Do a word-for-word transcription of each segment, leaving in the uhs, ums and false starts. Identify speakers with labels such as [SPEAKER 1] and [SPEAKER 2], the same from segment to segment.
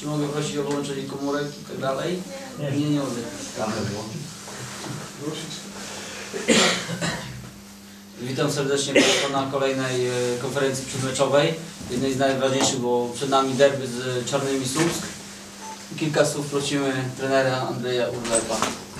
[SPEAKER 1] Czy mogę prosić o wyłączenie komórek i tak dalej? Nie, nie, nie mogę. Kamerę wyłączyć. Witam serdecznie Państwa na kolejnej konferencji przedmeczowej. Jednej z najważniejszych, bo przed nami derby z Czarnymi Słupsk. Kilka słów prosimy trenera Andrzeja Urlepa.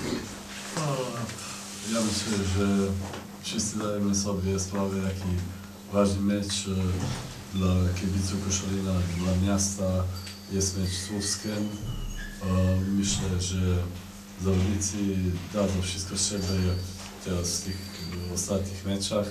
[SPEAKER 2] Ja myślę, że wszyscy dajemy sobie sprawę, jaki ważny mecz dla kibiców Koszalina, dla miasta jest mecz z Słupskiem. Myślę, że zawodnicy dadzą wszystko z siebie, jak teraz w tych ostatnich meczach.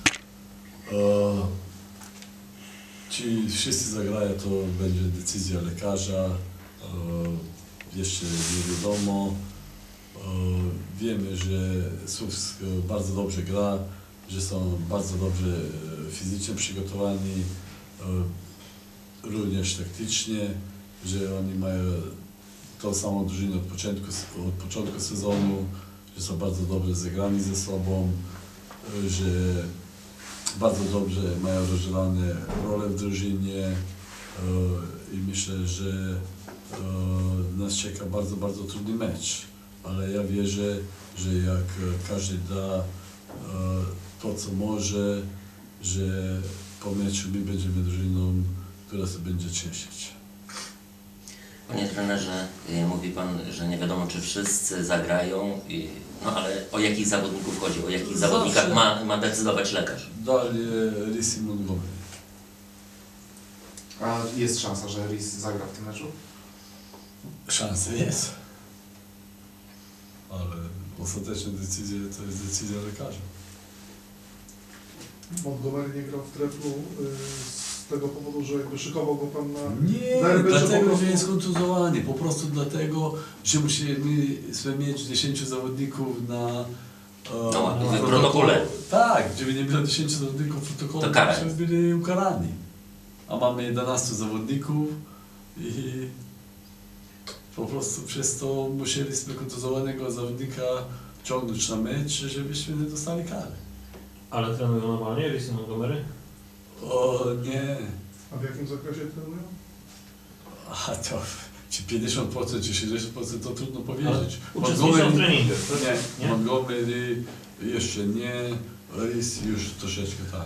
[SPEAKER 2] Czy wszyscy zagrają, to będzie decyzja lekarza. Jeszcze nie wiadomo. Wiemy, że Słupsk bardzo dobrze gra, że są bardzo dobrze fizycznie przygotowani, również taktycznie, że oni mają tą samą drużynę od początku, od początku sezonu, że są bardzo dobrze zagrani ze sobą, że bardzo dobrze mają rozdzielane role w drużynie i myślę, że nas czeka bardzo, bardzo trudny mecz. Ale ja wierzę, że jak każdy da to, co może, że po meczu my będziemy drużyną, która się będzie cieszyć.
[SPEAKER 3] Panie trenerze, mówi Pan, że nie wiadomo, czy wszyscy zagrają, no ale o jakich zawodników chodzi, o jakich Zawsze zawodnikach ma, ma decydować lekarz?
[SPEAKER 2] Dalej Rhys i Montgomery.
[SPEAKER 4] A jest szansa, że Rhys zagra w tym meczu?
[SPEAKER 2] Szansa jest. Ale ostateczna decyzja to jest decyzja lekarza.
[SPEAKER 5] Montgomery nie grał w treflu y, z tego powodu, że jakby szykował go Pan na
[SPEAKER 2] Nie,
[SPEAKER 5] derby,
[SPEAKER 2] dlatego,
[SPEAKER 5] po prostu...
[SPEAKER 2] że jest kontuzowany. Po prostu dlatego, że musimy mieć dziesięciu zawodników na,
[SPEAKER 3] no,
[SPEAKER 2] na
[SPEAKER 3] w protokole.
[SPEAKER 2] Tak, żeby nie było dziesięciu zawodników w protokole, to byśmy byli ukarani. A mamy jedenastu zawodników i po prostu przez to musieliśmy kontuzowanego zawodnika ciągnąć na mecz, żebyśmy nie dostali kary.
[SPEAKER 6] Ale trenują normalnie Rhys i Montgomery?
[SPEAKER 2] O nie.
[SPEAKER 5] A w jakim zakresie trenują?
[SPEAKER 2] A to czy pięćdziesiąt procent, czy sześćdziesiąt procent to trudno powiedzieć.
[SPEAKER 6] Uczestniczą w treningach,
[SPEAKER 2] nie, nie? Montgomery jeszcze nie, Rhys już troszeczkę tak.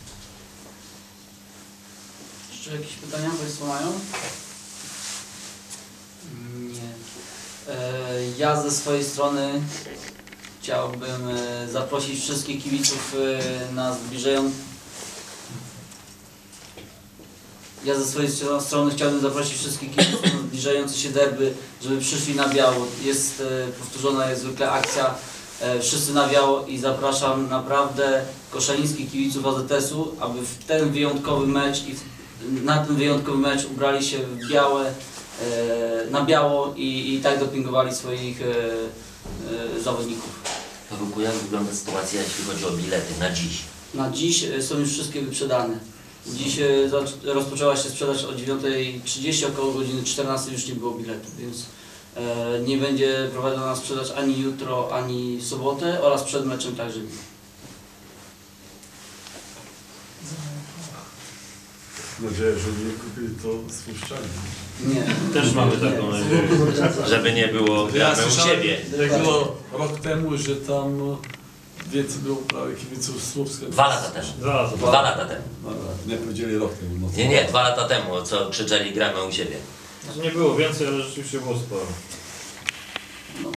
[SPEAKER 1] Jeszcze jakieś pytania Państwo mają? Nie. Ja ze swojej strony chciałbym zaprosić wszystkich kibiców na zbliżający... Ja ze swojej strony chciałbym zaprosić wszystkich kibiców na zbliżające się derby, żeby przyszli na biało. Jest powtórzona jest zwykle akcja Wszyscy na biało i zapraszam naprawdę koszalińskich kibiców A Z S-u, aby w ten wyjątkowy mecz i w, na ten wyjątkowy mecz ubrali się w białe, na biało i, i tak dopingowali swoich e, e, zawodników.
[SPEAKER 3] Pawełku, jak wygląda sytuacja, jeśli chodzi o bilety na dziś?
[SPEAKER 1] Na dziś są już wszystkie wyprzedane. Dziś e, rozpoczęła się sprzedaż o dziewiątej trzydzieści, około godziny czternastej już nie było biletów, więc e, nie będzie prowadzona sprzedaż ani jutro, ani w sobotę oraz przed meczem także nie.
[SPEAKER 2] Mam nadzieję, że nie kupili to spuszczanie.
[SPEAKER 1] Nie.
[SPEAKER 6] Też mamy taką nadzieję.
[SPEAKER 3] Żeby nie było gramy u siebie.
[SPEAKER 2] Jak było rok temu, że tam więcej było prawie kibiców Słupska.
[SPEAKER 3] Dwa lata temu.
[SPEAKER 6] Dwa lata.
[SPEAKER 3] Dwa lata temu.
[SPEAKER 2] Nie powiedzieli rok temu. No
[SPEAKER 3] Nie, nie, dwa lata temu, co krzyczeli gramy u siebie.
[SPEAKER 6] Nie było więcej, ale rzeczywiście było sporo.